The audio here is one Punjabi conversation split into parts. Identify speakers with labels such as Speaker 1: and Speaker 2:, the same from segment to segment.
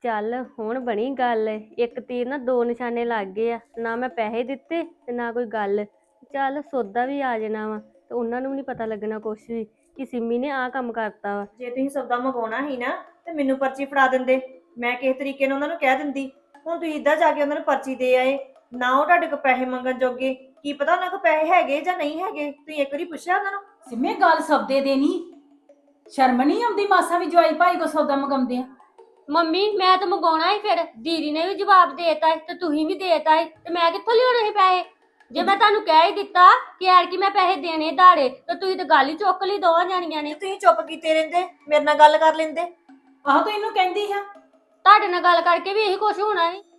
Speaker 1: ਚੱਲ ਹੁਣ ਬਣੀ ਗੱਲ। ਇੱਕ ਤੀਰ ਨਾ ਦੋ ਨਿਸ਼ਾਨੇ ਲੱਗ ਗਏ ਆ, ਨਾ ਮੈਂ ਪੈਸੇ ਦਿੱਤੇ ਤੇ ਨਾ ਕੋਈ ਗੱਲ। ਚੱਲ ਸੌਦਾ ਵੀ ਆ ਜਾਣਾ ਵਾ ਤੇ ਉਹਨਾਂ ਨੂੰ ਵੀ ਨਹੀਂ ਪਤਾ ਲੱਗਣਾ ਕੁਛ ਵੀ ਕਿ ਸਿੰਮੀ ਨੇ ਆਹ ਕੰਮ ਕਰਤਾ ਵਾ।
Speaker 2: ਜੇ ਤੁਸੀਂ ਸੌਦਾ ਮੰਗਵਾਉਣਾ ਸੀ ਨਾ ਤੇ ਮੈਨੂੰ ਪਰਚੀ ਫੜਾ ਦਿੰਦੇ, ਮੈਂ ਕਿਸੇ ਤਰੀਕੇ ਨਾਲ ਉਹਨਾਂ ਨੂੰ ਕਹਿ ਦਿੰਦੀ। ਹੁਣ ਤੁਸੀਂ ਇੱਦਾਂ ਜਾ ਕੇ ਉਹਨਾਂ ਨੂੰ ਪਰਚੀ ਦੇ ਆਏ, ਨਾ ਉਹ ਤੁਹਾਡੇ ਕੋਲ ਪੈਸੇ ਮੰਗਣ ਜੋਗੇ। ਕੀ ਪਤਾ ਉਹਨਾਂ ਕੋਲ ਪੈਸੇ ਹੈਗੇ ਜਾਂ ਨਹੀਂ ਹੈਗੇ, ਤੁਸੀਂ ਇੱਕ ਵਾਰੀ ਪੁੱਛਿਆ ਉਹਨਾਂ ਨੂੰ?
Speaker 3: ਸਿੰਮੇ ਗੱਲ ਸੌਦੇ ਦੇ ਨਹੀਂ, ਸ਼ਰਮ ਨਹੀਂ ਆਉਂਦੀ ਮਾਸਾ ਵੀ ਜਵਾਈ ਭਾਈ ਕੋ ਸੌਦਾ ਮੰਗਾਉਂਦੇ ਆ।
Speaker 1: ਮੰਮੀ ਮੈਂ ਤਾਂ ਮੰਗਾਉਣਾ ਹੀ, ਫਿਰ ਦੀਦੀ ਨੇ ਵੀ ਜਵਾਬ ਦੇਤਾ ਤੇ ਤੁਸੀਂ ਵੀ ਦੇਤਾ ਤੇ ਮੈਂ ਕਿੱਥੋਂ ਲਿਆਉਣੇ ਸੀ ਪੈਸੇ? ਜੇ ਮੈਂ ਤੁਹਾਨੂੰ ਕਹਿ ਹੀ ਦਿੱਤਾ ਕਿ ਯਾਰ ਕਿ ਮੈਂ ਪੈਸੇ ਦੇਣੇ ਧਾੜੇ, ਤਾਂ ਤੁਸੀਂ ਤਾਂ ਗੱਲ ਹੀ ਚੁੱਕ ਲਈ ਦੋਵਾਂ ਜਾਣੀਆਂ ਨੇ।
Speaker 2: ਤੁਸੀਂ ਚੁੱਪ ਕੀਤੇ ਰਹਿੰਦੇ, ਮੇਰੇ ਨਾਲ ਗੱਲ ਕਰ ਲੈਂਦੇ।
Speaker 3: ਆਹੋ ਤੂੰ ਇਹਨੂੰ ਕਹਿੰਦੀ ਆ।
Speaker 1: ਤੁਹਾਡੇ ਨਾਲ ਗੱਲ ਕਰਕੇ ਵੀ ਇਹੀ ਕੁਛ ਹੋਣਾ ਸੀ।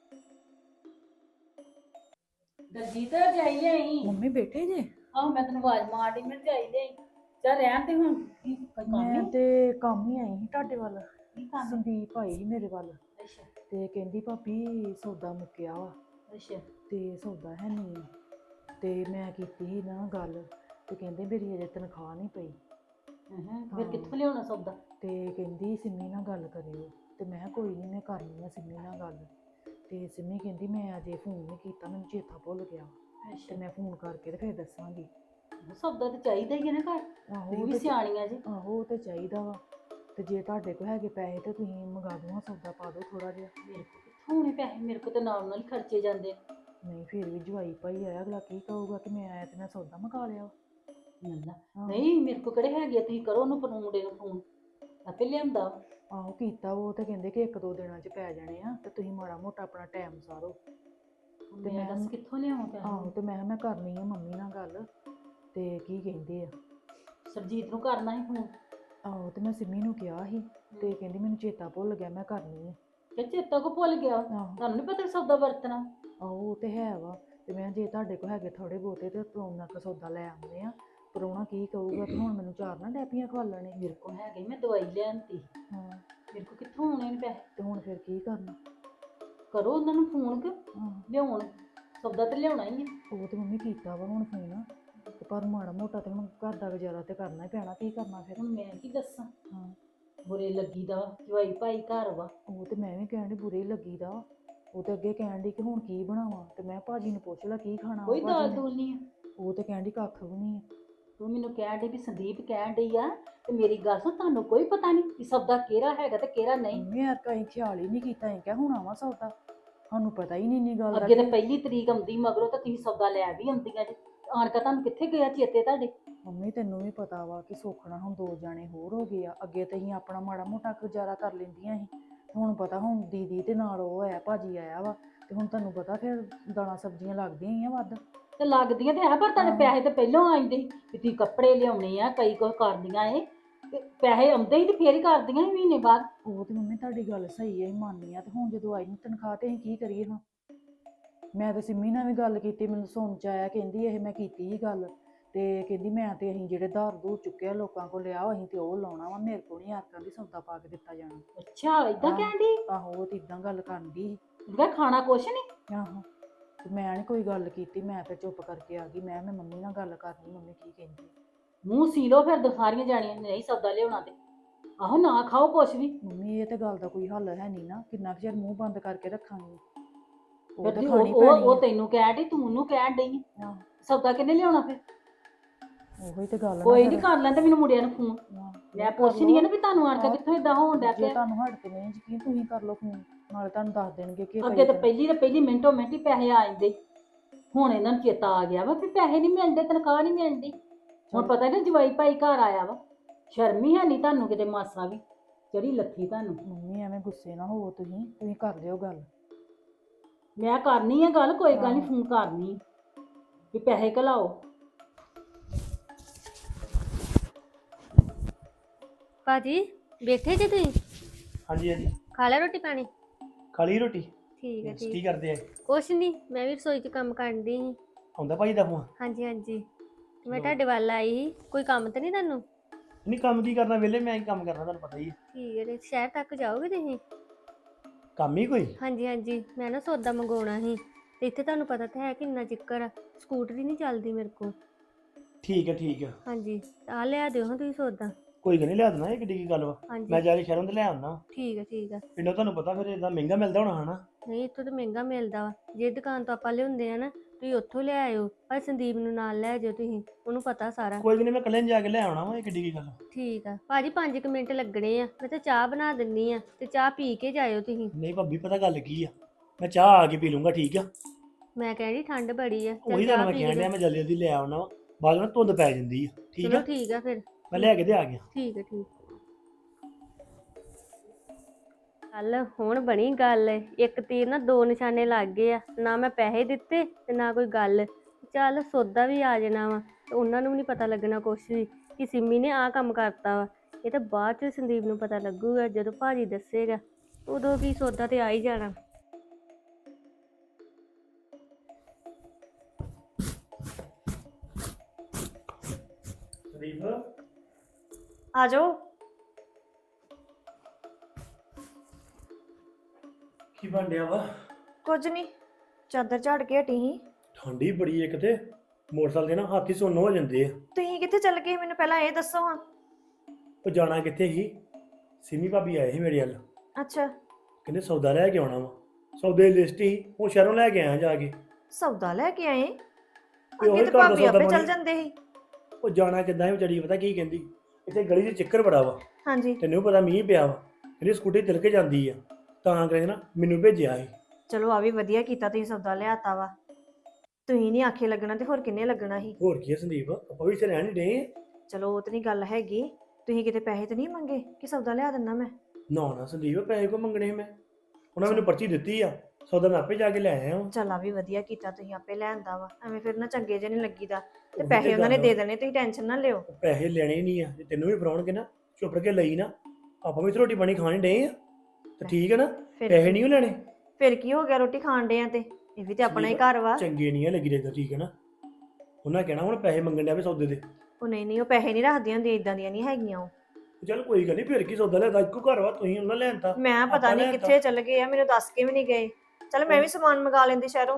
Speaker 3: ਦਲਜੀਤ ਜਾਈ ਲਈ
Speaker 4: ਮੰਮੀ ਬੈਠੇ ਜੇ?
Speaker 3: ਆਹ ਮੈਂ ਤੈਨੂੰ ਆਵਾਜ਼ ਮਾਰਦੀ, ਮੈਂ ਜਾਈ ਲਈ। ਚੱਲ ਰਹਿਣ ਤੇ ਹੁਣ ਕੀ ਕੋਈ ਕੰਮ
Speaker 4: ਮੈਂ
Speaker 3: ਨਹੀਂ।
Speaker 4: ਤੇ ਕੰਮ ਹੀ ਆਈ ਸੀ ਤੁਹਾਡੇ ਵੱਲ।
Speaker 3: ਕੀ ਕੰਮ?
Speaker 4: ਸੰਦੀਪ ਆਈ ਸੀ ਮੇਰੇ ਵੱਲ
Speaker 3: ਅੱਛਾ
Speaker 4: ਤੇ ਕਹਿੰਦੀ ਭਾਬੀ ਸੌਦਾ ਮੁੱਕਿਆ ਵਾ
Speaker 3: ਅੱਛਾ
Speaker 4: ਤੇ ਸੌਦਾ ਹੈ ਨਹੀਂ। ਤੇ ਮੈਂ ਕੀਤੀ ਸੀ ਨਾ ਗੱਲ ਤੇ ਕਹਿੰਦੇ ਮੇਰੀ ਅਜੇ ਤਨਖਾਹ ਨਹੀਂ ਪਈ।
Speaker 3: ਫਿਰ ਕਿੱਥੋਂ ਲਿਆਉਣਾ ਸੌਦਾ?
Speaker 4: ਤੇ ਕਹਿੰਦੀ ਸਿੰਮੀ ਨਾਲ ਗੱਲ ਕਰਿਓ। ਤੇ ਮੈਂ ਕਿਹਾ ਕੋਈ ਨਹੀਂ, ਮੈਂ ਕਰਨੀ ਆ ਸਿੰਮੀ ਨਾਲ ਗੱਲ। ਤੇ ਸਿੰਮੀ ਕਹਿੰਦੀ ਮੈਂ ਅਜੇ ਫੋਨ ਨਹੀਂ ਕੀਤਾ, ਮੈਨੂੰ ਚੇਤਾ ਭੁੱਲ ਗਿਆ ਤੇ ਮੈਂ ਫੋਨ ਕਰਕੇ ਤੇ ਫਿਰ ਦੱਸਾਂਗੀ।
Speaker 3: ਸੌਦਾ ਤਾਂ ਚਾਹੀਦਾ ਹੀ ਹੈ ਨਾ ਘਰ, ਤੁਸੀਂ ਵੀ ਸਿਆਣੀਆਂ ਜੀ।
Speaker 4: ਆਹੋ ਉਹ ਤੇ ਚਾਹੀਦਾ ਵਾ। ਤੇ ਜੇ ਤੁਹਾਡੇ ਕੋਲ ਹੈਗੇ ਪੈਸੇ ਤੇ ਤੁਸੀਂ ਮੰਗਾ ਦੂੰਗਾ, ਸੌਦਾ ਪਾ ਦਿਓ ਥੋੜਾ ਜਿਹਾ।
Speaker 3: ਮੇਰੇ ਕੋਲ ਕਿੱਥੋਂ ਹੋਣੇ ਪੈਸੇ, ਮੇਰੇ ਕੋਲ ਤੇ ਨਾਲ ਨਾਲ ਹੀ ਖਰਚੇ ਜਾਂਦੇ ਆ।
Speaker 4: ਨਹੀਂ ਫਿਰ ਵੀ ਜਵਾਈ ਭਾਈ ਆਇਆ, ਅਗਲਾ ਕੀ ਕਹੂਗਾ ਕਿ ਮੈਂ ਆਇਆ ਤੇ ਮੈਂ ਸੌਦਾ ਮੰਗਾ ਲਿਆ।
Speaker 3: ਨਹੀਂ ਮੇਰੇ ਕੋਲ ਕਿਹੜੇ ਹੈਗੇ ਆ, ਤੁਸੀਂ ਕਰੋ ਉਹਨੂੰ ਮੁੰਡੇ ਨੂੰ ਫੋਨ, ਆਪੇ ਲਿਆਂਦਾ।
Speaker 4: ਆਹੋ ਕੀਤਾ, ਉਹ ਤੇ ਕਹਿੰਦੇ ਕਿ ਇੱਕ ਦੋ ਦਿਨਾਂ 'ਚ ਪੈ ਜਾਣੇ ਆ ਤੇ ਤੁਸੀਂ ਮਾੜਾ ਮੋਟਾ ਆਪਣਾ ਟਾਈਮ ਸਾਰੋ।
Speaker 3: ਤੇ ਮੈਂ ਦੱਸ ਕਿੱਥੋਂ ਲਿਆਵਾਂ ਪੈਸੇ?
Speaker 4: ਆਹੋ ਤੇ ਮੈਂ ਕਿਹਾ ਮੈਂ ਕਰਨੀ ਆ ਮੰਮੀ ਨਾਲ ਗੱਲ ਤੇ ਕੀ ਕਹਿੰਦੇ ਆ।
Speaker 3: ਸਰਜੀਤ ਨੂੰ ਕਰਨਾ ਸੀ ਫੋਨ।
Speaker 4: ਆਹੋ ਤੇ ਮੈਂ ਸਿੰਮੀ ਨੂੰ ਕਿਹਾ ਸੀ ਤੇ ਕਹਿੰਦੀ ਮੈਨੂੰ ਚੇਤਾ ਭੁੱਲ ਗਿਆ, ਮੈਂ ਕਰਨੀ ਆ।
Speaker 3: ਕਿ ਚੇਤਾ ਕੋ ਭੁੱਲ ਗਿਆ?
Speaker 4: ਆਹੋ
Speaker 3: ਤੁਹਾਨੂੰ ਨਹੀਂ ਪਤਾ ਸੌਦਾ ਵਰਤਣਾ।
Speaker 4: ਆਹੋ ਉਹ ਤੇ ਹੈ ਵਾ। ਤੇ ਮੈਂ ਜੇ ਤੁਹਾਡੇ ਕੋਲ ਹੈਗੇ ਥੋੜੇ ਬਹੁਤੇ ਤੇ ਉਹਨਾਂ ਕੋਲ ਸੌਦਾ ਲੈ ਆਉਂਦੇ ਆ। ਪਰਾਹੁਣਾ ਕੀ ਕਹੂਗਾ ਤੇ ਹੁਣ ਮੈਨੂੰ ਚਾਰ ਨਾ ਡੈਪੀਆਂ ਖਵਾਲਣੇ।
Speaker 3: ਮੇਰੇ ਕੋਲ ਹੈਗੇ, ਮੈਂ ਦਵਾਈ ਲਿਆਂਤੀ।
Speaker 4: ਹਾਂ
Speaker 3: ਮੇਰੇ ਕੋਲ ਕਿੱਥੋਂ ਆਉਣੇ ਨੇ ਪੈਸੇ?
Speaker 4: ਤੇ ਹੁਣ ਫਿਰ ਕੀ ਕਰਨਾ?
Speaker 3: ਕਰੋ ਉਹਨਾਂ ਨੂੰ ਫੋਨ ਕਿ
Speaker 4: ਹਾਂ
Speaker 3: ਲਿਆਉਣ, ਸੌਦਾ ਤੇ ਲਿਆਉਣਾ ਹੀ ਹੈ।
Speaker 4: ਉਹ ਤੇ ਮੰਮੀ ਕੀਤਾ ਵਾ ਹੁਣ ਫੋਨ, ਤੇ ਪਰ ਮਾੜਾ ਮੋਟਾ ਤੇ ਹੁਣ ਘਰ ਦਾ ਗੁਜ਼ਾਰਾ ਤੇ ਕਰਨਾ ਹੀ ਪੈਣਾ, ਕੀ ਕਰਨਾ ਫਿਰ।
Speaker 3: ਹੁਣ ਮੈਂ ਕੀ ਦੱਸਾਂ,
Speaker 4: ਹਾਂ
Speaker 3: ਬੁਰੇ ਲੱਗੀ ਦਾ ਜਵਾਈ ਭਾਈ ਘਰ ਵਾ।
Speaker 4: ਉਹ ਤੇ ਮੈਂ ਵੀ ਕਹਿਣ ਡਈ ਬੁਰੇ ਹੀ ਲੱਗੀ ਦਾ। ਉਹ ਤੇ ਅੱਗੇ ਕਹਿਣ ਡਈ ਕਿ ਹੁਣ ਕੀ ਬਣਾਵਾਂ, ਤੇ ਮੈਂ ਭਾਜੀ ਨੂੰ ਪੁੱਛ ਲਾ ਕੀ ਖਾਣਾ
Speaker 3: ਕੋਈ
Speaker 4: ਵਾ
Speaker 3: ਦਾਲ
Speaker 4: ਭਾਜੀ ਨੇ।
Speaker 3: ਦੂਲ ਨਹੀਂ ਹੈ।
Speaker 4: ਉਹ ਤੇ ਕਹਿਣ ਡਈ ਕੱਖ ਵੀ ਨਹੀਂ ਆ।
Speaker 3: ਤੂੰ ਮੈਨੂੰ ਕਹਿਣ ਡਈ ਵੀ ਸੰਦੀਪ ਕਹਿਣ ਡਈ ਆ, ਤੇ ਮੇਰੀ ਗੱਲ ਸੁਣ, ਤੁਹਾਨੂੰ ਕੋਈ ਪਤਾ ਨਹੀਂ ਕਿ ਸੌਦਾ ਕਿਹੜਾ ਹੈਗਾ ਤੇ ਕਿਹੜਾ ਨਹੀਂ?
Speaker 4: ਮੰਮੀ ਯਾਰ ਕਹੀਂ ਖਿਆਲ ਹੀ ਨਹੀਂ ਕੀਤਾ, ਅਸੀਂ ਕਿਹਾ ਹੁਣ ਆਵਾ ਸੌਦਾ, ਸਾਨੂੰ ਪਤਾ ਹੀ ਨਹੀਂ ਇੰਨੀ ਗੱਲ ਦਾ।
Speaker 3: ਅੱਗੇ ਤਾਂ ਪਹਿਲੀ ਤਰੀਕ ਆਉਂਦੀ, ਮਗਰੋਂ ਤਾਂ ਤੁਸੀਂ ਸੌਦਾ ਲੈ ਵੀ ਆਉਂਦੀਆਂ ਜੀ। ਆਣ ਕੇ ਤੁਹਾਨੂੰ ਕਿੱਥੇ ਗਿਆ ਚੇਤੇ ਤੁਹਾਡੇ?
Speaker 4: ਮੰਮੀ ਤੈਨੂੰ ਵੀ ਪਤਾ ਵਾ ਕਿ ਸੋਖਣਾ ਹੁਣ ਦੋ ਜਾਣੇ ਹੋਰ ਹੋ ਗਏ ਆ। ਅੱਗੇ ਤੇ ਅਸੀਂ ਆਪਣਾ ਮਾੜਾ ਮੋਟਾ ਗੁਜ਼ਾਰਾ ਕਰ ਲੈਂਦੀਆਂ ਸੀ, ਹੁਣ ਪਤਾ ਹੁਣ ਦੀਦੀ ਤੇ ਨਾਲ ਉਹ ਆਇਆ, ਭਾਜੀ ਆਇਆ ਵਾ, ਤੇ ਹੁਣ ਤੁਹਾਨੂੰ ਪਤਾ ਫਿਰ ਦਾਲਾਂ ਸਬਜ਼ੀਆਂ ਲੱਗਦੀਆਂ ਹੀ ਆ ਵੱਧ।
Speaker 3: ਤੇ ਲੱਗਦੀਆਂ ਤੇ ਹੈ, ਪਰ ਤੁਹਾਡੇ ਪੈਸੇ ਤਾਂ ਪਹਿਲਾਂ ਆਉਂਦੇ ਸੀ ਵੀ ਤੁਸੀਂ ਕੱਪੜੇ ਲਿਆਉਣੇ ਆ, ਕਈ ਕੁਝ ਕਰਦੀਆਂ ਏ, ਤੇ ਪੈਸੇ ਆਉਂਦੇ ਹੀ ਤੇ ਫੇਰ ਹੀ ਕਰਦੀਆਂ ਸੀ ਮਹੀਨੇ ਬਾਅਦ।
Speaker 4: ਉਹ ਤੇ ਮੰਮੀ ਤੁਹਾਡੀ ਗੱਲ ਸਹੀ ਹੈ, ਮੰਨਨੀ ਆ। ਤੇ ਹੁਣ ਜਦੋਂ ਆਈ ਨੀ ਤਨਖਾਹ ਤੇ ਅਸੀਂ ਕੀ ਕਰੀਏ ਹੁਣ? ਮੈਂ ਤਾਂ ਸਿੰਮੀ ਨਾਲ ਵੀ ਗੱਲ ਕੀਤੀ, ਮੈਨੂੰ ਸੁਣ ਚ ਆਇਆ, ਕਹਿੰਦੀ ਇਹ ਮੈਂ ਕੀਤੀ ਸੀ ਗੱਲ, ਤੇ ਕਹਿੰਦੀ ਮੈਂ ਤੇ ਅਸੀਂ ਜਿਹੜੇ ਧਾਰ ਧੂਰ ਚੁੱਕਿਆ ਲੋਕਾਂ ਕੋਲ ਲਿਆ ਅਸੀਂ ਤੇ ਉਹ ਲਾਉਣਾ ਵਾ, ਮੇਰੇ ਕੋਲ ਨਹੀਂ ਆਰਕਾਂ ਦੀ ਸੌਦਾ ਪਾ ਕੇ ਦਿੱਤਾ ਜਾਣਾ।
Speaker 3: ਅੱਛਾ ਏਦਾਂ ਕਹਿਣ ਡਈ?
Speaker 4: ਆਹੋ ਉਹ ਤੇ ਇਦਾਂ ਗੱਲ ਕਰਨ ਦੀ
Speaker 3: ਮੈਂ ਖਾਣਾ ਕੁਛ ਨਹੀਂ।
Speaker 4: ਆਹੋ ਤੇ ਮੈਂ ਨੀ ਕੋਈ ਗੱਲ ਕੀਤੀ, ਮੈਂ ਤੇ ਚੁੱਪ ਕਰਕੇ ਆ ਗਈ। ਮੈਂ ਮੰਮੀ ਨਾਲ ਗੱਲ ਕਰਨੀ, ਮੰਮੀ ਕੀ ਕਹਿੰਦੀ।
Speaker 3: ਮੂੰਹ ਸੀ ਲੋ ਫਿਰ ਸਾਰੀਆਂ ਜਾਣੀਆਂ, ਨਹੀਂ ਸੌਦਾ ਲਿਆਉਣਾ ਤੇ ਆਹੋ ਨਾ ਖਾਓ ਕੁਛ ਵੀ।
Speaker 4: ਮੰਮੀ ਇਹ ਤੇ ਗੱਲ ਦਾ ਕੋਈ ਹੱਲ ਹੈ ਨਹੀਂ ਨਾ, ਕਿੰਨਾ ਕੁ ਚਿਰ ਮੂੰਹ ਬੰਦ ਕਰਕੇ ਰੱਖਾਂਗੇ? ਉਹ
Speaker 3: ਫਿਰ
Speaker 4: ਤੇ
Speaker 3: ਜੀ
Speaker 4: ਖਾਣੀ ਪੈਣੀ
Speaker 3: ਉਹ
Speaker 4: ਆ।
Speaker 3: ਤੈਨੂੰ ਕਹਿਣ ਡਈ, ਤੂੰ ਉਹਨੂੰ ਕਹਿਣ ਡਈ।
Speaker 4: ਆਹੋ
Speaker 3: ਸੌਦਾ ਕਿੰਨੇ ਲਿਆਉਣਾ ਫਿਰ?
Speaker 4: ਉਹੀ ਤੇ ਗੱਲ ਨਾ
Speaker 3: ਕੋਈ
Speaker 4: ਫਿਰ।
Speaker 3: ਨਹੀਂ, ਕਰ ਲੈਂਦੇ ਮੈਨੂੰ ਮੁੰਡਿਆਂ ਨੂੰ ਫੋਨ, ਮੈਂ ਪੁੱਛਣੀ ਆ ਨਾ ਵੀ ਤੁਹਾਨੂੰ ਆਣ ਕੇ ਕਿੱਥੋਂ ਏਦਾਂ ਹੋਣ ਡਿਆ
Speaker 4: ਜੇ
Speaker 3: ਪਿਆ।
Speaker 4: ਤੁਹਾਨੂੰ ਹਟ ਤੇ ਨਹੀਂ ਯਕੀਨ, ਤੁਸੀਂ ਕਰ ਲਓ ਫੋਨ, ਨਾਲੇ ਤੁਹਾਨੂੰ ਦੱਸ ਦੇਣਗੇ ਕਿ
Speaker 3: ਅੱਗੇ ਤਾਂ ਪਹਿਲੀ ਮਿੰਟੋ ਮਿੰਟ ਹੀ ਪੈਸੇ ਆ ਜਾਂਦੇ, ਹੁਣ ਇਹਨਾਂ ਨੂੰ ਚੇਤਾ ਆ ਗਿਆ ਵਾ ਵੀ ਪੈਸੇ ਨਹੀਂ ਮਿਲਦੇ, ਤਨਖਾਹ ਨਹੀਂ ਮਿਲਦੀ। ਹੁਣ ਪਤਾ ਨਾ ਜਵਾਈ ਭਾਈ ਘਰ ਆਇਆ ਵਾ, ਸ਼ਰਮ ਹੀ ਹੈ ਨਹੀਂ ਤੁਹਾਨੂੰ ਕਿਤੇ ਮਾਸਾ ਵੀ, ਜਿਹੜੀ ਲੱਥੀ ਤੁਹਾਨੂੰ।
Speaker 4: ਮੰਮੀ ਐਵੇਂ ਗੁੱਸੇ ਨਾ ਹੋਵੋ, ਤੁਸੀਂ ਕਰ ਲਿਓ ਗੱਲ।
Speaker 3: ਮੈਂ ਕਰਨੀ ਆ ਗੱਲ, ਕੋਈ ਗੱਲ ਨਹੀਂ, ਫੋਨ ਕਰਨੀ ਵੀ ਪੈਸੇ ਘਲਾਓ।
Speaker 1: ਭਾਜੀ ਬੈਠੇ ਜੇ ਤੁਸੀਂ?
Speaker 5: ਹਾਂਜੀ ਹਾਂਜੀ,
Speaker 1: ਖਾ ਲਿਆ ਰੋਟੀ ਪਾਣੀ?
Speaker 5: ਖਾ ਲਈ ਰੋਟੀ।
Speaker 1: ਠੀਕ ਹੈ
Speaker 5: ਕੀ
Speaker 1: ਠੀਕ।
Speaker 5: ਕਰਦੇ ਆ?
Speaker 1: ਕੁਛ ਨਹੀਂ, ਮੈਂ ਵੀ ਰਸੋਈ 'ਚ ਕੰਮ ਕਰਨ ਦੀ ਸੀ।
Speaker 5: ਆਉਂਦਾ ਭਾਈ ਦਾ ਫੋਨ?
Speaker 1: ਹਾਂਜੀ ਹਾਂਜੀ, ਤੇ ਮੈਂ ਤੁਹਾਡੇ ਵੱਲ ਆਈ ਸੀ, ਕੋਈ ਕੰਮ ਤਾਂ ਨਹੀਂ ਤੁਹਾਨੂੰ?
Speaker 5: ਨਹੀਂ ਕੰਮ ਕੀ ਕਰਨਾ, ਵਿਹਲੇ ਮੈਂ ਹੀ ਕੰਮ ਕਰਨਾ, ਤੁਹਾਨੂੰ ਪਤਾ ਹੀ ਹੈ।
Speaker 1: ਠੀਕ ਹੈ, ਤੇ ਸ਼ਹਿਰ ਤੱਕ ਜਾਓਗੇ ਤੁਸੀਂ?
Speaker 5: ਕੰਮ ਹੀ ਕੋਈ?
Speaker 1: ਹਾਂਜੀ ਹਾਂਜੀ, ਮੈਂ ਨਾ ਸੌਦਾ ਮੰਗਵਾਉਣਾ ਸੀ, ਤੇ ਇੱਥੇ ਤੁਹਾਨੂੰ ਪਤਾ ਤਾਂ ਹੈ ਕਿੰਨਾ ਚੱਕਰ ਆ, ਸਕੂਟਰੀ ਨਹੀਂ ਚੱਲਦੀ ਮੇਰੇ ਕੋਲ।
Speaker 5: ਠੀਕ ਹੈ ਠੀਕ ਹੈ।
Speaker 1: ਹਾਂਜੀ, ਆ ਲਿਆ ਦਿਓ ਹਾਂ ਤੁਸੀਂ ਸੌਦਾ।
Speaker 5: ਕੋਈ ਗੱਲ ਨਹੀਂ ਲਿਆ ਦੇਣਾ, ਇਹ ਕਿੱਡੀ ਕੀ ਗੱਲ ਵਾ। ਮੈਂ
Speaker 1: ਹਾਂਜੀ
Speaker 5: ਜਾ ਕੇ ਸ਼ਹਿਰੋਂ ਤੇ ਲੈ ਆਉਣਾ।
Speaker 1: ਠੀਕ ਆ
Speaker 5: ਪਿੰਡੋਂ ਤੁਹਾਨੂੰ ਪਤਾ ਫਿਰ ਇਦਾਂ ਮਹਿੰਗਾ ਮਿਲਦਾ ਹੋਣਾ ਹਨਾ।
Speaker 1: ਨਹੀਂ ਇੱਥੋਂ ਤਾਂ ਮਹਿੰਗਾ ਮਿਲਦਾ ਵਾ। ਜੇ ਦੁਕਾਨ ਤੋਂ ਆਪਾਂ ਲਿਆਉਂਦੇ ਆ ਨਾ ਤੁਸੀਂ ਉੱਥੋਂ ਲੈ ਆਇਓ, ਪਰ ਸੰਦੀਪ ਨੂੰ ਨਾਲ ਲੈ ਜਾਓ ਤੁਸੀਂ, ਉਹਨੂੰ ਪਤਾ ਸਾਰਾ।
Speaker 5: ਕੋਈ ਨਹੀਂ, ਮੈਂ ਇਕੱਲੇ ਨੂੰ ਜਾ ਕੇ ਲੈ ਆਉਣਾ ਵਾ, ਇਹ ਕਿੱਡੀ ਕੀ ਗੱਲ।
Speaker 1: ਠੀਕ ਆ ਭਾਜੀ 5 ਮਿੰਟ ਲੱਗਣੇ ਆ, ਮੈਂ ਤਾਂ ਚਾਹ ਬਣਾ ਦਿੰਨੀ ਆ ਤੇ ਚਾਹ ਪੀ ਕੇ ਜਾਇਓ ਤੁਸੀਂ।
Speaker 5: ਨਹੀਂ ਭਾਬੀ ਪਤਾ ਗੱਲ ਕੀ ਆ, ਮੈਂ ਚਾਹ ਆ ਕੇ ਪੀ ਲੂੰਗਾ, ਠੀਕ ਆ।
Speaker 1: ਮੈਂ ਕਹਿੰਦੀ ਠੰਡ ਬੜੀ ਆ, ਚੱਲ
Speaker 5: ਉਹੀ ਤਾਂ
Speaker 1: ਚਾਹ
Speaker 5: ਮੈਂ
Speaker 1: ਪੀ
Speaker 5: ਕਹਿਣ
Speaker 1: ਕੇ
Speaker 5: ਡਿਆ, ਮੈਂ ਜਲਦੀ ਜਲਦੀ ਲੈ ਆਉਣਾ ਵਾ, ਬਾਅਦ ਵਿੱਚ ਧੁੰਦ ਪੈ ਜਾਂਦੀ ਆ, ਠੀਕ
Speaker 1: ਚਲੋ
Speaker 5: ਆ।
Speaker 1: ਠੀਕ ਆ ਫਿਰ।
Speaker 5: ਮੈਂ ਲੈ ਕੇ ਤੇ ਆ ਗਿਆ।
Speaker 1: ਠੀਕ ਆ ਚੱਲ ਹੁਣ ਬਣੀ ਗੱਲ, ਇੱਕ ਤੀਰ ਨਾ 2 ਨਿਸ਼ਾਨੇ ਲੱਗ ਗਏ ਆ, ਨਾ ਮੈਂ ਪੈਸੇ ਦਿੱਤੇ ਤੇ ਨਾ ਕੋਈ ਗੱਲ। ਚੱਲ ਸੌਦਾ ਵੀ ਆ ਜਾਣਾ ਵਾ ਤੇ ਉਹਨਾਂ ਨੂੰ ਵੀ ਨਹੀਂ ਪਤਾ ਲੱਗਣਾ ਕੁਛ ਵੀ ਕਿ ਸਿੰਮੀ ਨੇ ਆਹ ਕੰਮ ਕਰਤਾ ਵਾ। ਇਹ ਤਾਂ ਬਾਅਦ ਚ ਸੰਦੀਪ ਨੂੰ ਪਤਾ ਲੱਗੂਗਾ, ਜਦੋਂ ਭਾਜੀ ਦੱਸੇਗਾ ਉਦੋਂ ਕੀ ਸੌਦਾ ਤੇ ਆ ਹੀ ਜਾਣਾ।
Speaker 5: ਸੰਦੀਪ
Speaker 2: ਆ ਜਾਓ।
Speaker 5: ਕੀ ਬਣ ਡਿਆ ਵਾ?
Speaker 2: ਕੁਝ ਨਹੀਂ, ਚਾਦਰ ਝਾੜ ਕੇ ਹਟੀ ਸੀ।
Speaker 5: ਠੰਡੀ ਬੜੀ ਇੱਕ ਤੇ ਮੋਟਰਸਾਈਕਲ ਦੇ ਨਾ ਹਾਥੀ ਸੁੰਨ ਹੋ ਜਾਂਦੇ ਆ।
Speaker 2: ਤੁਸੀਂ ਕਿੱਥੇ ਚੱਲ ਗਏ ਮੈਨੂੰ ਪਹਿਲਾਂ ਇਹ ਦੱਸੋ ਹਾਂ।
Speaker 5: ਉਹ ਜਾਣਾ ਕਿੱਥੇ ਸੀ? ਸਿਮੀ ਭਾਬੀ ਆਏ ਸੀ ਮੇਰੇ ਵੱਲ,
Speaker 2: ਅੱਛਾ,
Speaker 5: ਕਹਿੰਦੇ ਸੌਦਾ ਲੈ ਕੇ ਆਉਣਾ ਵਾ। ਸੌਦੇ ਦੀ ਲਿਸਟ ਸੀ, ਉਹ ਸ਼ਹਿਰੋਂ ਲੈ ਕੇ ਆਇਆ ਜਾ ਕੇ।
Speaker 2: ਸੌਦਾ ਲੈ ਕੇ ਆਏ?
Speaker 5: ਤੇ ਉਹੀ
Speaker 2: ਅੱਗੇ
Speaker 5: ਘਰ
Speaker 2: ਤਾਂ
Speaker 5: ਦਾ
Speaker 2: ਭਾਬੀ
Speaker 5: ਸੌਦਾ
Speaker 2: ਆਪੇ ਚੱਲ
Speaker 5: ਬਣੀ।
Speaker 2: ਜਾਂਦੇ ਸੀ।
Speaker 5: ਉਹ ਜਾਣਾ ਕਿੱਦਾਂ ਸੀ ਵਿਚਾਰੀ, ਪਤਾ ਕੀ ਕਹਿੰਦੀ, ਇੱਥੇ ਗਲੀ 'ਚ ਚੱਕਰ ਬੜਾ ਵਾ,
Speaker 2: ਹਾਂਜੀ,
Speaker 5: ਤੈਨੂੰ ਪਤਾ ਮੀਂਹ ਪਿਆ ਵਾ, ਕਹਿੰਦੀ ਸਕੂਟੀ ਤਿਲ ਕੇ ਜਾਂਦੀ ਆ, ਤਾਂ ਕਰਕੇ ਨਾ ਮੈਨੂੰ ਭੇਜਿਆ ਸੀ।
Speaker 2: ਚਲੋ ਆ ਵੀ ਵਧੀਆ ਕੀਤਾ ਤੁਸੀਂ ਸੌਦਾ ਲਿਆਤਾ ਵਾ। ਤੁਸੀਂ ਨਹੀਂ ਆਖੇ ਲੱਗਣਾ ਤੇ ਹੋਰ ਕਿੰਨੇ ਲੱਗਣਾ ਸੀ।
Speaker 5: ਹੋਰ ਕੀ ਹੈ ਸੰਦੀਪ, ਆਪਾਂ ਵੀ ਇੱਥੇ ਰਹਿਣ ਹੀ ਡਏ ਆ।
Speaker 2: ਚਲੋ ਉਹ ਤਾਂ ਨਹੀਂ ਗੱਲ ਹੈਗੀ, ਤੁਸੀਂ ਕਿਤੇ ਪੈਸੇ ਤਾਂ ਨਹੀਂ ਮੰਗੇ ਕਿ ਸੌਦਾ ਲਿਆ ਦਿੰਦਾ ਮੈਂ?
Speaker 5: ਨਾ ਨਾ ਸੰਦੀਪ, ਪੈਸੇ ਕੋ ਮੰਗਣੇ ਮੈਂ, ਉਹਨਾਂ ਮੈਨੂੰ ਪਰਚੀ ਦਿੱਤੀ ਆ, ਸੌਦਾ ਮੈਂ ਆਪੇ ਜਾ ਕੇ ਲੈ ਆਇਆ ਵਾਂ।
Speaker 2: ਚੱਲ ਆ ਵੀ ਵਧੀਆ ਕੀਤਾ ਤੁਸੀਂ ਆਪੇ ਲੈਂਦਾ ਵਾ, ਐਵੇਂ ਫਿਰ ਨਾ ਚੰਗੇ ਜਿਹੇ ਨਹੀਂ ਲੱਗੀਦਾ। ਤੇ
Speaker 5: ਉਹੀ
Speaker 2: ਪੈਸੇ
Speaker 5: ਤੇ
Speaker 2: ਉਹਨਾਂ ਨੇ
Speaker 5: ਗੱਲ
Speaker 2: ਦੇ
Speaker 5: ਵਾ।
Speaker 2: ਦੇਣੇ, ਤੁਸੀਂ ਟੈਨਸ਼ਨ ਨਾ ਲਿਓ।
Speaker 5: ਪੈਸੇ ਲੈਣੇ ਨਹੀਂ ਆ, ਜੇ ਤੈਨੂੰ ਵੀ ਫੜਾਉਣਗੇ ਨਾ ਚੁੱਪ ਕੇ ਲਈ ਨਾ, ਆਪਾਂ ਵੀ ਤਾਂ ਰੋਟੀ ਪਾਣੀ ਖਾਣੀ ਡਏ ਆ, ਤੇ ਠੀਕ ਹੈ ਨਾ।
Speaker 2: ਫਿਰ
Speaker 5: ਪੈਸੇ ਨਹੀਂ ਲੈਣੇ,
Speaker 2: ਫਿਰ ਕੀ ਹੋ ਗਿਆ, ਰੋਟੀ ਖਾਣ ਡਏ ਆ ਤੇ ਇਹ ਵੀ ਤੇ ਆਪਣਾ ਹੀ ਘਰ ਵਾ।
Speaker 5: ਚੰਗੇ ਨਹੀਂ ਆ ਲੱਗੀ ਰਹਿੰਦਾ, ਠੀਕ ਹੈ ਨਾ। ਉਹਨਾਂ ਕਹਿਣਾ ਹੁਣ ਪੈਸੇ ਮੰਗਣ ਡਿਆ ਵੀ ਸੌਦੇ ਦੇ।
Speaker 2: ਉਹ ਨਹੀਂ, ਉਹ ਪੈਸੇ ਨਹੀਂ ਰੱਖਦੀਆਂ ਹੁੰਦੀਆਂ, ਇਦਾਂ ਦੀਆਂ ਨਹੀਂ ਹੈਗੀਆਂ ਉਹ।
Speaker 5: ਚੱਲ ਕੋਈ ਗੱਲ ਨਹੀਂ, ਫਿਰ ਕੀ ਸੌਦਾ ਲੈਦਾ, ਇੱਕੋ ਘਰ ਵਾ, ਤੁਸੀਂ ਉਹਨਾਂ ਲੈਣਤਾ।
Speaker 2: ਮੈਂ ਪਤਾ
Speaker 5: ਆਪਾਂ
Speaker 2: ਨਹੀਂ
Speaker 5: ਲਿਆਤਾ।
Speaker 2: ਕਿੱਥੇ ਚੱਲ ਗਏ ਆ, ਮੈਨੂੰ ਦੱਸ ਕੇ ਵੀ ਨਹੀਂ ਗਏ। ਚੱਲ ਮੈਂ ਵੀ ਸਮਾਨ ਮੰਗਾ ਲੈਂਦੀ ਸ਼ਹਿਰੋਂ।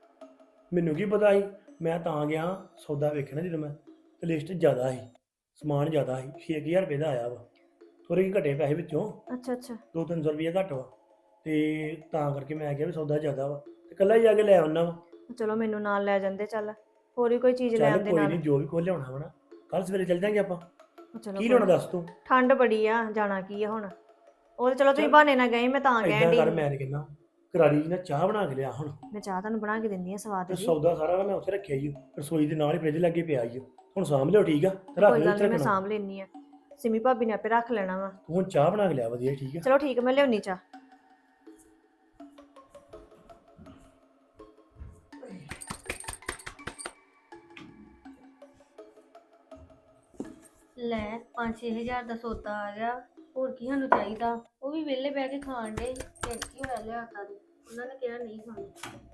Speaker 5: ਮੈਨੂੰ ਕੀ ਪਤਾ ਸੀ, ਮੈਂ ਤਾਂ ਗਿਆ ਸੌਦਾ ਵੇਖਣਾ ਜਦੋਂ ਮੈਂ, ਤੇ ਲਿਸਟ ਜ਼ਿਆਦਾ ਸੀ, ਸਮਾਨ ਜ਼ਿਆਦਾ ਸੀ, 6000 ਰੁਪਏ ਦਾ ਆਇਆ ਵਾ, ਥੋੜੇ ਜਿਹੇ ਘਟੇ ਪੈਸੇ ਵਿੱਚੋਂ,
Speaker 2: ਅੱਛਾ ਅੱਛਾ,
Speaker 5: 200-300 ਰੁਪਏ ਘੱਟ ਵਾ, ਤੇ ਤਾਂ ਕਰਕੇ ਮੈਂ ਕਿਹਾ ਵੀ ਸੌਦਾ ਜ਼ਿਆਦਾ ਵਾ, ਤੇ ਇਕੱਲਾ ਹੀ ਜਾ ਕੇ ਲੈ ਆਉਣਾ ਵਾ।
Speaker 2: ਚਲੋ ਮੈਨੂੰ ਨਾਲ ਲੈ ਜਾਂਦੇ, ਚੱਲ ਹੋਰ ਵੀ ਕੋਈ ਚੀਜ਼ ਲੈ
Speaker 5: ਚੱਲ
Speaker 2: ਆਉਂਦੇ
Speaker 5: ਕੋਈ
Speaker 2: ਨਾਲ।
Speaker 5: ਨਹੀਂ, ਜੋ ਵੀ ਕੁਝ ਲਿਆਉਣਾ ਵਾ ਨਾ, ਕੱਲ ਸਵੇਰੇ ਚੱਲ ਜਾਂਗੇ ਆਪਾਂ।
Speaker 2: ਚਲੋ
Speaker 5: ਕੀ
Speaker 2: ਕੋਈ
Speaker 5: ਲਿਆਉਣਾ ਦੱਸ ਤੂੰ?
Speaker 2: ਠੰਡ ਬੜੀ ਆ, ਜਾਣਾ ਕੀ ਆ ਹੁਣ। ਉਹ ਤੇ ਚਲੋ ਤੁਸੀਂ
Speaker 5: ਚੱਲ।
Speaker 2: ਬਹਾਨੇ ਨਾਲ ਗਏ, ਮੈਂ ਤਾਂ
Speaker 5: ਏਦਾਂ
Speaker 2: ਕਹਿਣ
Speaker 5: ਕਰ,
Speaker 2: ਡਈ।
Speaker 5: ਮੈਂ ਤੇ ਕਹਿੰਦਾ ਕਰਾਰੀ ਜੀ ਨਾਲ ਚਾਹ ਬਣਾ ਕੇ ਲਿਆ ਹੁਣ,
Speaker 2: ਮੈਂ ਚਾਹ ਤੁਹਾਨੂੰ ਬਣਾ ਕੇ ਦਿੰਦੀ ਆ ਸਵਾਦ
Speaker 5: ਤੇ
Speaker 2: ਦੀ।
Speaker 5: ਸੌਦਾ ਸਾਰਾ ਨਾ ਮੈਂ ਉੱਥੇ ਰੱਖਿਆ ਹੀ, ਰਸੋਈ ਦੇ ਨਾਲ ਹੀ ਫ੍ਰਿਜ ਲੱਗੇ ਪਿਆ ਹੀ, ਹੁਣ ਸਾਂਭ ਲਿਓ, ਠੀਕ ਆ, ਤੇ ਰੱਖ
Speaker 2: ਕੋਈ
Speaker 5: ਲਿਓ
Speaker 2: ਗੱਲ
Speaker 5: ਇੱਥੇ
Speaker 2: ਨਹੀਂ, ਮੈਂ
Speaker 5: ਰੱਖਣਾ।
Speaker 2: ਸਾਂਭ ਲੈਣੀ ਆ, ਸਿਮੀ ਭਾਬੀ ਨੇ ਆਪੇ ਰੱਖ ਲੈਣਾ ਵਾ।
Speaker 5: ਤੂੰ ਹੁਣ ਚਾਹ ਬਣਾ ਕੇ ਲਿਆ ਵਧੀਆ, ਠੀਕ ਆ।
Speaker 2: ਚਲੋ ਠੀਕ ਆ, ਮੈਂ ਲਿਆਉਣੀ ਚਾਹ।
Speaker 1: ਲੈ 5-6 ਹਜ਼ਾਰ ਦਾ ਸੌਦਾ ਆ ਗਿਆ, ਹੋਰ ਕੀ ਸਾਨੂੰ ਚਾਹੀਦਾ। ਉਹ ਵੀ ਵਿਹਲੇ ਬਹਿ ਕੇ ਖਾਣ ਦੇ, ਫਿਰ ਕੀ ਹੋਇਆ ਲਿਆਤਾ ਦੇ, ਉਹਨਾਂ ਨੇ ਕਿਹਾ ਨਹੀਂ ਖਾਣੀ।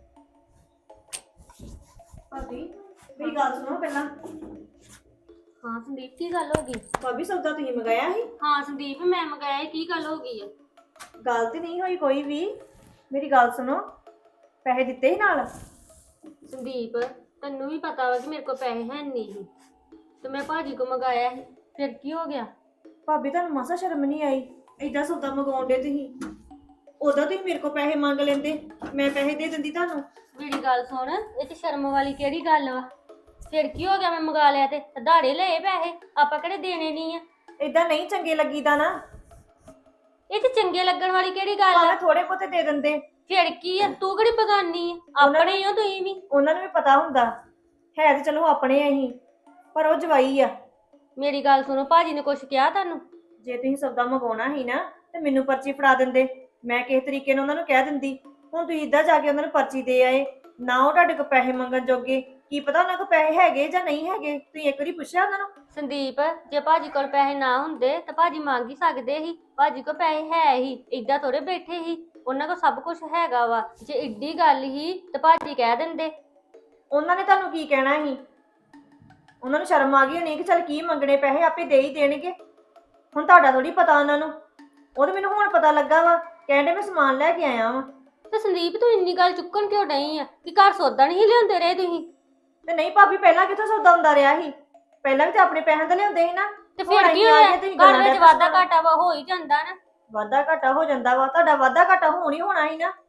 Speaker 2: ਭਾਬੀ ਮੇਰੀ ਗੱਲ ਸੁਣੋ ਪਹਿਲਾਂ।
Speaker 1: ਹਾਂ ਸੰਦੀਪ, ਕੀ ਗੱਲ ਹੋ ਗਈ?
Speaker 2: ਭਾਬੀ ਸੌਦਾ ਤੁਸੀਂ ਮੰਗਾਇਆ ਸੀ?
Speaker 1: ਹਾਂ ਸੰਦੀਪ, ਮੈਂ ਮੰਗਾਇਆ, ਕੀ ਗੱਲ ਹੋ ਗਈ ਆ?
Speaker 2: ਗੱਲ ਤੇ ਨਹੀਂ ਹੋਈ ਕੋਈ ਵੀ। ਮੇਰੀ ਗੱਲ ਸੁਣੋ, ਪੈਸੇ ਦਿੱਤੇ ਸੀ ਨਾਲ?
Speaker 1: ਸੰਦੀਪ ਤੈਨੂੰ ਵੀ ਪਤਾ ਵਾ ਕਿ ਮੇਰੇ ਕੋਲ ਪੈਸੇ ਹੈ ਨਹੀਂ ਸੀ, ਤੇ ਮੈਂ ਭਾਜੀ ਕੋ ਮੰਗਾਇਆ ਸੀ, ਫਿਰ ਕੀ ਹੋ ਗਿਆ?
Speaker 2: ਭਾਬੀ ਤੁਹਾਨੂੰ ਮਾਸਾ ਸ਼ਰਮ ਨਹੀਂ ਆਈ? ਏਦਾਂ ਸੌਦਾ ਮੰਗਾਉਂਦੇ ਤੁਸੀਂ, ਉਦੋਂ ਤੁਸੀਂ ਮੇਰੇ ਕੋਲ ਪੈਸੇ ਮੰਗ ਲੈਂਦੇ, ਮੈਂ ਪੈਸੇ ਦੇ ਦਿੰਦੀ ਤੁਹਾਨੂੰ।
Speaker 1: ਮੇਰੀ ਗੱਲ ਸੁਣ, ਇਹ ਚ ਸ਼ਰਮ ਵਾਲੀ ਕਿਹੜੀ ਗੱਲ ਵਾ? ਫਿਰ ਕੀ ਹੋ ਗਿਆ, ਮੈਂ ਮੰਗਾ ਲਿਆ ਤੇ ਧਾੜੇ ਲਏ ਪੈਸੇ, ਆਪਾਂ ਕਿਹੜੇ ਦੇਣੇ ਨਹੀਂ ਆ।
Speaker 2: ਏਦਾਂ ਨਹੀਂ ਚੰਗੇ ਲੱਗੀਦਾ ਨਾ,
Speaker 1: ਇਹ ਚ ਚੰਗੇ ਲੱਗਣ ਵਾਲੀ ਕਿਹੜੀ ਗੱਲ ਆ?
Speaker 2: ਭਾਵੇਂ ਥੋੜੇ ਬਹੁਤੇ ਦੇ ਦਿੰਦੇ।
Speaker 1: ਫਿਰ ਕੀ ਆ, ਤੂੰ ਕਿਹੜੀ ਬਗਾਨੀ ਆ, ਆਪਣੇ ਹੀ ਹੋ ਤੁਸੀਂ ਵੀ।
Speaker 2: ਉਹਨਾਂ ਨੂੰ ਵੀ ਪਤਾ ਹੁੰਦਾ ਹੈ, ਤੇ ਚਲੋ ਆਪਣੇ ਅਸੀਂ, ਪਰ ਉਹ ਜਵਾਈ ਆ।
Speaker 1: ਮੇਰੀ ਗੱਲ ਸੁਣੋ, ਭਾਜੀ ਨੇ ਕੁਛ ਕਿਹਾ ਤੁਹਾਨੂੰ?
Speaker 2: ਜੇ ਤੁਸੀਂ ਸੌਦਾ ਮੰਗਾਉਣਾ ਸੀ ਨਾ ਤੇ ਮੈਨੂੰ ਪਰਚੀ ਫੜਾ ਦਿੰਦੇ, ਮੈਂ ਕਿਸੇ ਤਰੀਕੇ ਨਾਲ ਉਹਨਾਂ ਨੂੰ ਕਹਿ ਦਿੰਦੀ। ਹੁਣ ਤੁਸੀਂ ਇੱਦਾਂ ਜਾ ਕੇ ਉਹਨਾਂ ਨੂੰ ਪਰਚੀ ਦੇ ਆਏ, ਨਾ ਉਹ ਤੁਹਾਡੇ ਕੋਲ ਪੈਸੇ ਮੰਗਣ ਜੋਗੇ। ਕੀ ਪਤਾ ਉਹਨਾਂ ਕੋਲ ਪੈਸੇ ਹੈਗੇ ਜਾਂ ਨਹੀਂ ਹੈਗੇ, ਤੁਸੀਂ ਇੱਕ ਵਾਰੀ ਪੁੱਛਿਆ ਉਹਨਾਂ ਨੂੰ?
Speaker 1: ਸੰਦੀਪ ਜੇ ਭਾਜੀ ਕੋਲ ਪੈਸੇ ਨਾ ਹੁੰਦੇ ਤਾਂ ਭਾਜੀ ਮੰਗ ਹੀ ਸਕਦੇ ਸੀ, ਭਾਜੀ ਕੋਲ ਪੈਸੇ ਹੈ ਹੀ, ਏਦਾਂ ਥੋੜੇ ਬੈਠੇ ਸੀ, ਉਹਨਾਂ ਕੋਲ ਸਭ ਕੁਝ ਹੈਗਾ ਵਾ। ਜੇ ਏਡੀ ਗੱਲ ਹੀ ਤਾਂ ਭਾਜੀ ਕਹਿ ਦਿੰਦੇ।
Speaker 2: ਉਹਨਾਂ ਨੇ ਤੁਹਾਨੂੰ ਕੀ ਕਹਿਣਾ ਸੀ? ਉਹਨਾਂ ਨੂੰ ਸ਼ਰਮ ਆ ਗਈ ਹੋਣੀ ਕਿ ਚੱਲ ਕੀ ਮੰਗਣੇ ਪੈਸੇ, ਆਪੇ ਦੇ ਹੀ ਦੇਣਗੇ। ਹੁਣ ਤੁਹਾਡਾ ਥੋੜੀ ਪਤਾ ਉਹਨਾਂ ਨੂੰ, ਉਹ ਤਾਂ ਮੈਨੂੰ ਹੁਣ ਪਤਾ ਲੱਗਾ ਵਾ, ਕਹਿੰਦੇ ਮੈਂ ਸਮਾਨ ਲੈ ਕੇ ਆਇਆ ਵਾਂ।
Speaker 1: ਤੇ ਸੰਦੀਪ ਤੂੰ ਇੰਨੀ ਗੱਲ ਚੁੱਕਣ ਕਿਉਂ ਡਈ ਆ ਕਿ ਘਰ ਸੌਦਾ ਨਹੀਂ ਲਿਆਉਂਦੇ ਰਹੇ ਤੁਸੀਂ?
Speaker 2: ਤੇ ਨਹੀਂ ਭਾਬੀ, ਪਹਿਲਾਂ ਕਿੱਥੋਂ ਸੌਦਾ ਹੁੰਦਾ ਰਿਹਾ ਸੀ? ਪਹਿਲਾਂ ਵੀ ਤੇ ਆਪਣੇ ਪੈਸਿਆਂ ਦਾ ਲਿਆਉਂਦੇ ਸੀ ਨਾ।
Speaker 1: ਤੇ
Speaker 2: ਹੁਣ
Speaker 1: ਫਿਰ ਕੀ
Speaker 2: ਅਸੀਂ ਆ
Speaker 1: ਹੋਇਆ
Speaker 2: ਗਏ, ਤੁਸੀਂ
Speaker 1: ਘਰ
Speaker 2: ਗੱਲਾਂ
Speaker 1: ਵਿੱਚ
Speaker 2: ਡੈ
Speaker 1: ਵਾਧਾ
Speaker 2: ਪਈਆਂ।
Speaker 1: ਘਾਟਾ ਵਾ ਹੋ ਹੀ ਜਾਂਦਾ ਨਾ।
Speaker 2: ਵਾਧਾ ਘਾਟਾ ਹੋ ਜਾਂਦਾ ਵਾ, ਤੁਹਾਡਾ ਵਾਧਾ ਘਾਟਾ ਹੋਣ ਹੀ ਹੋਣਾ ਸੀ ਨਾ।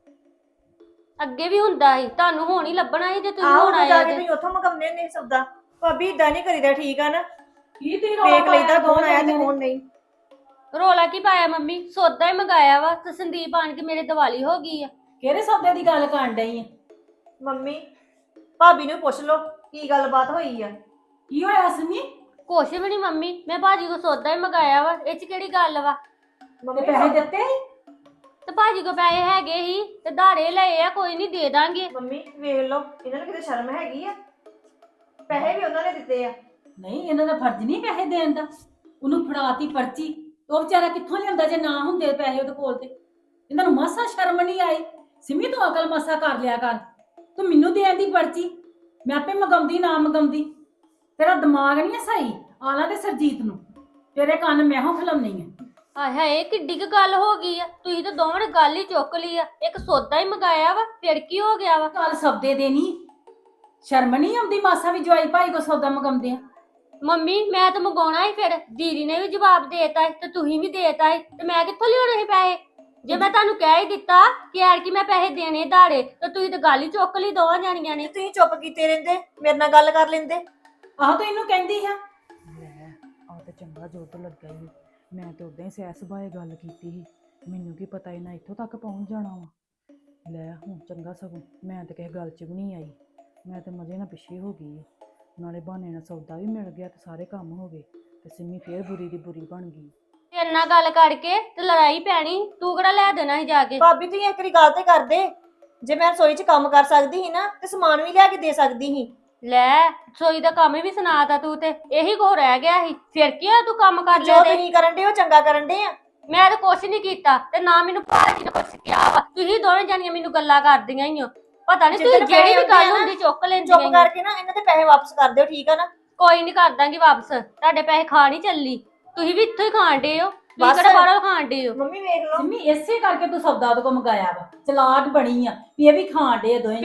Speaker 1: ਅੱਗੇ ਵੀ ਹੁੰਦਾ ਸੀ, ਤੁਹਾਨੂੰ ਹੁਣ ਹੀ ਲੱਭਣਾ ਸੀ ਜੇ ਤੁਸੀਂ
Speaker 2: ਆਹੋ
Speaker 1: ਹੁਣ
Speaker 2: ਉਦੋਂ ਜਾ
Speaker 1: ਆਏ
Speaker 2: ਕੇ
Speaker 1: ਜੇ।
Speaker 2: ਤੁਸੀਂ ਉੱਥੋਂ ਮਗਾਉਂਦੇ ਹੁੰਦੇ ਸੀ ਸੌਦਾ। ਭਾਬੀ ਇਦਾਂ ਨਹੀਂ ਕਰੀਦਾ, ਠੀਕ ਆ ਨਾ।
Speaker 3: ਕੀ ਤੀ ਰੌਲਾ
Speaker 2: ਵੇਖ ਲਈਦਾ
Speaker 3: ਪਾਇਆ
Speaker 2: ਕੌਣ
Speaker 3: ਦੋਵੇਂ
Speaker 2: ਆਇਆ ਤੇ
Speaker 3: ਜਣੀਆਂ ਨੇ?
Speaker 2: ਕੌਣ ਨਹੀਂ।
Speaker 1: ਰੋਲਾ ਕੀ ਪਾਇਆ ਮੰਮੀ, ਸੌਦਾ ਹੀ ਮੰਗਾਇਆ ਵਾ ਤੇ ਸੰਦੀਪ ਆਣ ਕੇ ਮੇਰੇ ਦਿਵਾਲੀ ਹੋ ਗਈ ਆ।
Speaker 3: ਕਿਹੜੇ ਸੌਦੇ ਦੀ ਗੱਲ ਕਰਨ ਡਈ ਆ?
Speaker 2: ਮੰਮੀ ਭਾਬੀ ਨੂੰ ਪੁੱਛ ਲਓ ਕੀ ਗੱਲਬਾਤ ਹੋਈ ਆ।
Speaker 3: ਕੀ ਹੋਇਆ ਸਿੰਮੀ?
Speaker 1: ਕੁਛ ਵੀ ਨਹੀਂ ਮੰਮੀ, ਮੈਂ ਭਾਜੀ ਕੋ ਸੌਦਾ ਹੀ ਮੰਗਾਇਆ ਵਾ, ਇਹ ਚ ਕਿਹੜੀ ਗੱਲ ਵਾ।
Speaker 3: ਤੇ
Speaker 2: ਮੰਮੀ
Speaker 3: ਪੈਸੇ ਦਿੱਤੇ ਸੀ?
Speaker 1: ਤੇ ਭਾਜੀ ਕੋ ਪੈਸੇ ਹੈਗੇ ਹੀ ਤੇ ਧਾਰੇ ਲਏ ਆ, ਕੋਈ ਨਹੀਂ ਦੇ ਦਾਂਗੇ।
Speaker 2: ਮੰਮੀ ਵੇਖ ਲਓ, ਇਹਨਾਂ ਨੂੰ ਕਿਤੇ ਸ਼ਰਮ ਹੈਗੀ ਆ। ਪੈਸੇ ਵੀ ਉਹਨਾਂ ਨੇ ਦਿੱਤੇ ਆ।
Speaker 3: ਨਹੀਂ, ਇਹਨਾਂ ਦਾ ਫਰਜ਼ ਨਹੀਂ ਪੈਸੇ ਦੇਣ ਦਾ। ਉਹਨੂੰ ਫੜਾਤੀ ਪਰਚੀ, ਉਹ ਵਿਚਾਰਾ ਕਿੱਥੋਂ ਲਿਆਂਦਾ ਜੇ ਨਾ ਹੁੰਦੇ ਪੈਸੇ ਉਹਦੇ ਕੋਲ ਤੇ। ਇਹਨਾਂ ਨੂੰ ਮਾਸਾ ਸ਼ਰਮ ਨਹੀਂ ਆਈ। ਸਿੰਮੀ ਤੂੰ ਅਕਲ ਮਾਸਾ ਕਰ ਲਿਆ ਕਰ। ਤੂੰ ਮੈਨੂੰ ਦੇਣ ਦੀ ਪਰਚੀ, ਮੈਂ ਆਪੇ ਮਗਾਉਂਦੀ ਨਾ ਮਗਾਉਂਦੀ। ਤੇਰਾ ਦਿਮਾਗ ਨਹੀਂ ਸਹੀ। ਆਲਾ ਤੇ ਸਰਜੀਤ ਨੂੰ ਤੇਰੇ ਕੰਨ ਮੈਂ ਹੋ ਖਲਾਉਣੀ ਆ।
Speaker 1: ਹਾਏ ਹਾਏ ਕਿੱਡੀ ਕੁ ਗੱਲ ਹੋ ਗਈ ਆ, ਤੁਸੀਂ ਤਾਂ ਦੋਵਾਂ ਨੇ ਗੱਲ ਹੀ ਚੁੱਕ ਲਈ ਆ। ਇੱਕ ਸੌਦਾ ਹੀ ਮੰਗਾਇਆ ਵਾ, ਫਿਰ ਕੀ ਹੋ ਗਿਆ ਵਾ।
Speaker 3: ਕੱਲ ਸਬਦੇ ਦੇ ਨਹੀਂ ਸ਼ਰਮ ਨਹੀਂ ਆਉਂਦੀ ਮਾਸਾ ਵੀ ਜਵਾਈ ਭਾਈ ਕੋ ਸੌਦਾ ਮਗਾਉਂਦੇ ਆ।
Speaker 1: ਮੰਮੀ ਮੈਂ ਤਾਂ ਮੰਗਾਉਣਾ ਹੀ, ਫਿਰ ਦੀਦੀ ਨੇ ਵੀ ਜਵਾਬ ਦੇਤਾ ਤੇ ਤੁਸੀਂ ਵੀ ਦੇਤਾ ਤੇ ਮੈਂ ਕਿੱਥੋਂ ਲਿਆਉਣੇ ਸੀ ਪੈਸੇ। ਜੇ ਮੈਂ ਤੁਹਾਨੂੰ ਕਹਿ ਹੀ ਦਿੱਤਾ ਕਿ ਯਾਰ ਕਿ ਮੈਂ ਪੈਸੇ ਦੇਣੇ ਧਾੜੇ, ਤਾਂ ਤੁਸੀਂ ਤਾਂ ਗੱਲ ਹੀ ਚੁੱਕ ਲਈ ਦੋਵਾਂ ਜਾਣੀਆਂ ਨੇ।
Speaker 2: ਤੁਸੀਂ ਚੁੱਪ ਕੀਤੇ ਰਹਿੰਦੇ, ਮੇਰੇ ਨਾਲ ਗੱਲ ਕਰ ਲੈਂਦੇ।
Speaker 3: ਆਹ ਤੂੰ ਇਹਨੂੰ ਕਹਿੰਦੀ ਆ।
Speaker 4: ਲੈ ਆ ਤੇ ਚੰਗਾ ਜੋਤ ਲੱਗਾ ਹੀ। ਮੈਂ ਤੇ ਉਦਾਂ ਹੀ ਸਹਿ ਸੁਭਾਏ ਗੱਲ ਕੀਤੀ ਸੀ, ਮੈਨੂੰ ਕੀ ਪਤਾ ਇਹਨਾਂ ਇੱਥੋਂ ਤੱਕ ਪਹੁੰਚ ਜਾਣਾ ਵਾ। ਲੈ ਹੁਣ ਚੰਗਾ ਸਗੋਂ ਮੈਂ ਤੇ ਕਿਸੇ ਗੱਲ 'ਚ ਵੀ ਨਹੀਂ ਆਈ। ਮੈਂ ਤੇ ਮਜ਼ੇ ਨਾਲ ਪਿੱਛੇ ਹੋ ਗਈ ਆ। ਨਾਲੇ ਬਹਾਨੇ ਨਾਲ ਸੌਦਾ ਵੀ ਮਿਲ ਗਿਆ ਤੇ ਸਾਰੇ ਕੰਮ ਹੋ ਗਏ ਤੇ ਸਿੰਮੀ ਫੇਰ ਬੁਰੀ ਦੀ ਬੁਰੀ ਬਣ ਗਈ।
Speaker 1: ਤੇਰੇ ਨਾਲ ਗੱਲ ਕਰਕੇ ਤੇ ਲੜਾਈ ਪੈਣੀ, ਤੂੰ ਕਿਹੜਾ ਲੈ ਦੇਣਾ ਸੀ ਜਾ ਕੇ।
Speaker 2: ਭਾਬੀ ਤੁਸੀਂ ਇੱਕ ਵਾਰੀ ਗੱਲ ਤੇ ਕਰਦੇ। ਜੇ ਮੈਂ ਰਸੋਈ 'ਚ ਕੰਮ ਕਰ ਸਕਦੀ ਸੀ ਨਾ ਤੇ ਸਮਾਨ ਵੀ ਲਿਆ ਕੇ ਦੇ ਸਕਦੀ ਸੀ।
Speaker 1: ਲੈ ਸੋਈ ਦਾ ਕੰਮ ਵੀ ਸੁਣਾਤਾ ਤੂੰ, ਤੇ ਇਹੀ ਕੋ ਰਹਿ ਗਿਆ ਸੀ। ਫਿਰ ਕੀ ਹੋਇਆ ਤੂੰ ਕੰਮ ਕਰ
Speaker 2: ਜੋ
Speaker 1: ਲਿਆ ਤੇ।
Speaker 2: ਤੁਸੀਂ ਕਰਨ ਦੇ ਉਹ ਚੰਗਾ ਕਰਨ ਦੇ ਆ।
Speaker 1: ਮੈਂ ਤਾਂ ਕੁਛ ਨਹੀਂ ਕੀਤਾ ਤੇ ਨਾ ਮੈਨੂੰ ਭਾਜੀ ਨੇ ਕੁਛ ਕਿਹਾ ਵਾ। ਤੁਸੀਂ ਦੋਵੇਂ ਜਾਣੀਆਂ ਮੈਨੂੰ ਗੱਲਾਂ ਕਰਦੀਆਂ ਹੀ ਹੋ। ਪਤਾ ਨਹੀਂ ਤੁਸੀਂ
Speaker 2: ਜਿੱਦਣ
Speaker 1: ਜਿਹੜੀ ਵੀ
Speaker 2: ਪੈਸੇ
Speaker 1: ਗੱਲ
Speaker 2: ਆਉਂਦੇ ਆ
Speaker 1: ਹੁੰਦੀ ਚੁੱਕ ਲੈਂਦੀਆਂ
Speaker 2: ਚੁੱਪ
Speaker 1: ਈ ਓ।
Speaker 2: ਕਰਕੇ ਨਾ ਇਹਨਾਂ ਦੇ ਪੈਸੇ ਵਾਪਸ ਕਰ ਦਿਓ, ਠੀਕ ਆ ਨਾ।
Speaker 1: ਕੋਈ ਨਹੀਂ ਕਰ ਦਾਂਗੀ ਵਾਪਸ, ਤੁਹਾਡੇ ਪੈਸੇ ਖਾ ਨਹੀਂ ਚੱਲੀ। ਤੁਸੀਂ ਵੀ ਇੱਥੋਂ ਹੀ ਖਾਣ ਡੇ ਹੋ, ਤੁਸੀਂ
Speaker 2: ਬਸ।
Speaker 1: ਕਿਹੜਾ ਬਾਹਰੋਂ ਖਾਣ ਡੇ ਹੋ।
Speaker 2: ਮੰਮੀ ਵੇਖ ਲਓ,
Speaker 3: ਸਿੰਮੀ ਇਸੇ ਕਰਕੇ ਤੂੰ ਸੌਦਾ ਉਹਦੇ ਕੋ ਮੰਗਾਇਆ ਵਾ। ਚਲਾਕ ਬਣੀ ਆ ਵੀ ਇਹ ਵੀ ਖਾਣ ਡੇ ਦੋਵੇਂ।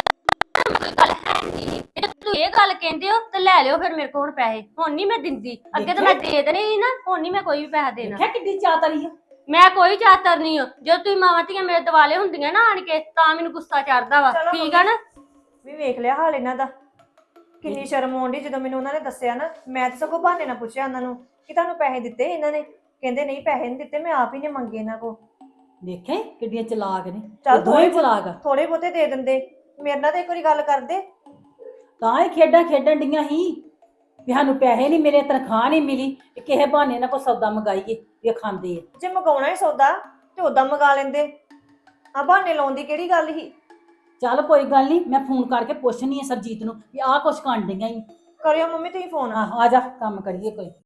Speaker 1: ਜੇ ਤੁਸੀਂ ਇਹ ਗੱਲ ਕਹਿੰਦੇ ਹੋ ਤੇ ਲੈ ਲਿਓ ਫਿਰ ਮੇਰੇ ਕੋਲ ਹੁਣ ਪੈਸੇ। ਹੁਣ ਨਹੀਂ ਮੈਂ ਦਿੰਦੀ, ਅੱਗੇ ਤਾਂ ਮੈਂ ਦੇ ਦੇਣੇ ਸੀ ਨਾ, ਹੁਣ ਨਹੀਂ ਮੈਂ ਕੋਈ ਵੀ ਪੈਸਾ ਦੇਣਾ।
Speaker 3: ਦੇਖਿਆ ਕਿੱਡੀ ਚਾਤਰੀ ਆ।
Speaker 1: ਮੈਂ ਕੋਈ ਚਾਤਰ ਨਹੀਂ ਹਾਂ। ਜਦੋਂ ਤੁਸੀਂ ਮਾਵਾਂ ਧੀਆਂ ਮੇਰੇ ਦਿਵਾਲੇ ਹੁੰਦੀਆਂ ਨਾ ਆਣ ਕੇ, ਤਾਂ ਮੈਨੂੰ ਗੁੱਸਾ ਚੜਦਾ ਵਾ।
Speaker 2: ਚਲੋ
Speaker 1: ਠੀਕ ਆ ਨਾ।
Speaker 2: ਵੀ ਵੇਖ ਲਿਆ ਹਾਲ ਇਹਨਾਂ ਦਾ। ਕਿੰਨੀ ਸ਼ਰਮ ਆਉਂਦੀ ਜਦੋਂ ਮੈਨੂੰ ਉਹਨਾਂ ਨੇ ਦੱਸਿਆ ਨਾ। ਮੈਂ ਤਾਂ ਸਗੋਂ ਬਹਾਨੇ ਨਾਲ ਪੁੱਛਿਆ ਉਹਨਾਂ ਨੂੰ ਕਿ ਤੁਹਾਨੂੰ ਪੈਸੇ ਦਿੱਤੇ ਇਹਨਾਂ ਨੇ। ਕਹਿੰਦੇ ਨਹੀਂ ਪੈਸੇ ਨਹੀਂ ਦਿੱਤੇ, ਮੈਂ ਆਪ ਹੀ ਨੇ ਮੰਗੇ ਇਹਨਾਂ ਕੋ।
Speaker 3: ਦੇਖਿਆ ਈ ਕਿੱਡੀਆਂ ਚਲਾਕ ਨੇ।
Speaker 2: ਚੱਲ
Speaker 3: ਇਹ ਦੋਵੇਂ ਚਲਾਕ ਆ।
Speaker 2: ਥੋੜੇ ਬਹੁਤੇ ਦੇ ਦਿੰਦੇ, ਮੇਰੇ ਨਾਲ ਤਾਂ ਇੱਕ ਵਾਰੀ ਗੱਲ ਕਰਦੇ।
Speaker 3: ਤਾਂ ਹੀ ਖੇਡਾਂ ਖੇਡਣ ਡੀਆਂ ਸੀ ਵੀ ਸਾਨੂੰ ਪੈਸੇ ਨਹੀਂ ਮਿਲੇ, ਤਨਖਾਹ ਨਹੀਂ ਮਿਲੀ, ਕਿਸੇ ਬਹਾਨੇ ਨਾਲ ਕੋਈ ਸੌਦਾ ਮੰਗਾਈਏ ਇਹ ਖਾਂਦੇ ਆ।
Speaker 2: ਜੇ ਮੰਗਾਉਣਾ ਹੀ ਸੌਦਾ ਤੇ ਉਦਾਂ ਮੰਗਾ ਲੈਂਦੇ। ਆ ਬਹਾਨੇ ਲਾਉਣ ਦੀ ਕਿਹੜੀ ਗੱਲ ਸੀ।
Speaker 3: ਚੱਲ ਕੋਈ ਗੱਲ ਨਹੀਂ, ਮੈਂ ਫੋਨ ਕਰਕੇ ਪੁੱਛਣੀ ਆ ਸਰਜੀਤ ਨੂੰ ਵੀ ਆਹ ਕੁਛ ਕਰਨ ਡੀਆਂ ਈ।
Speaker 2: ਕਰਿਓ ਮੰਮੀ ਤੁਸੀਂ ਫੋਨ।
Speaker 3: ਆ ਜਾ ਕੰਮ ਕਰੀਏ ਕੋਈ।